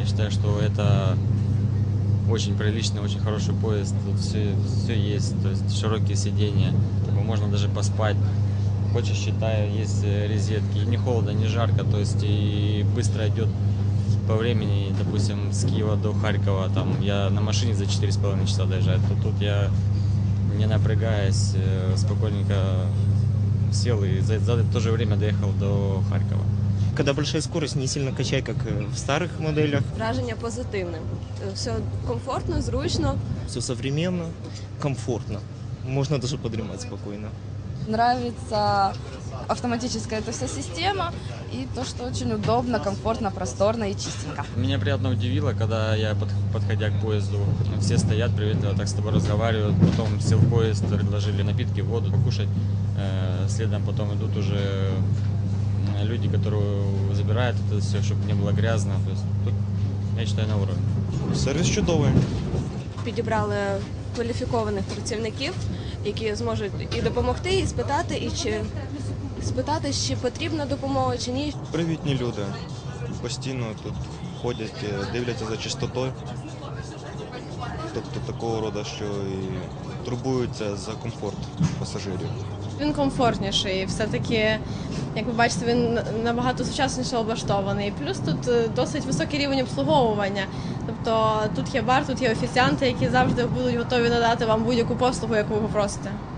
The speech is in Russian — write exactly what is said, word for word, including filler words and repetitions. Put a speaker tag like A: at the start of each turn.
A: Я считаю, что это очень приличный, очень хороший поезд. Тут все, все есть, то есть широкие сиденья, можно даже поспать. Хочешь, считай, есть розетки, не холодно, не жарко, то есть и быстро идет по времени, допустим, с Киева до Харькова, там я на машине за четыре с половиной часа доезжаю, то тут я, не напрягаясь, спокойненько сел и за, за то же время доехал до Харькова.
B: Когда большая скорость, не сильно качает, как в старых моделях.
C: Враження позитивне. Все комфортно, зручно.
B: Все современно, комфортно. Можно даже подремать спокойно.
D: Нравится автоматическая эта вся система и то, что очень удобно, комфортно, просторно и чистенько.
A: Меня приятно удивило, когда я, подходя к поезду, все стоят, приветливо так с тобой разговаривают, потом сел в поезд, предложили напитки, воду, покушать, следом потом идут уже люди, которые забирают это все, чтобы не было грязно. То есть тут, я считаю, на уровне.
B: Сервіс чудовий.
C: Підібрали кваліфікованих працівників, які зможуть і допомогти, і спитати, і чи спитати, чи потрібна допомога, чи ні.
E: Привітні люди. Постійно тут ходять, дивляться за чистотою. Тобто такого роду, що і турбуються за комфорт пасажирів.
F: Він комфортніший, все-таки, як ви бачите, він набагато сучасніше облаштований. Плюс тут досить високий рівень обслуговування. Тобто тут є бар, тут є офіціанти, які завжди будуть готові надати вам будь-яку послугу, яку ви попросите.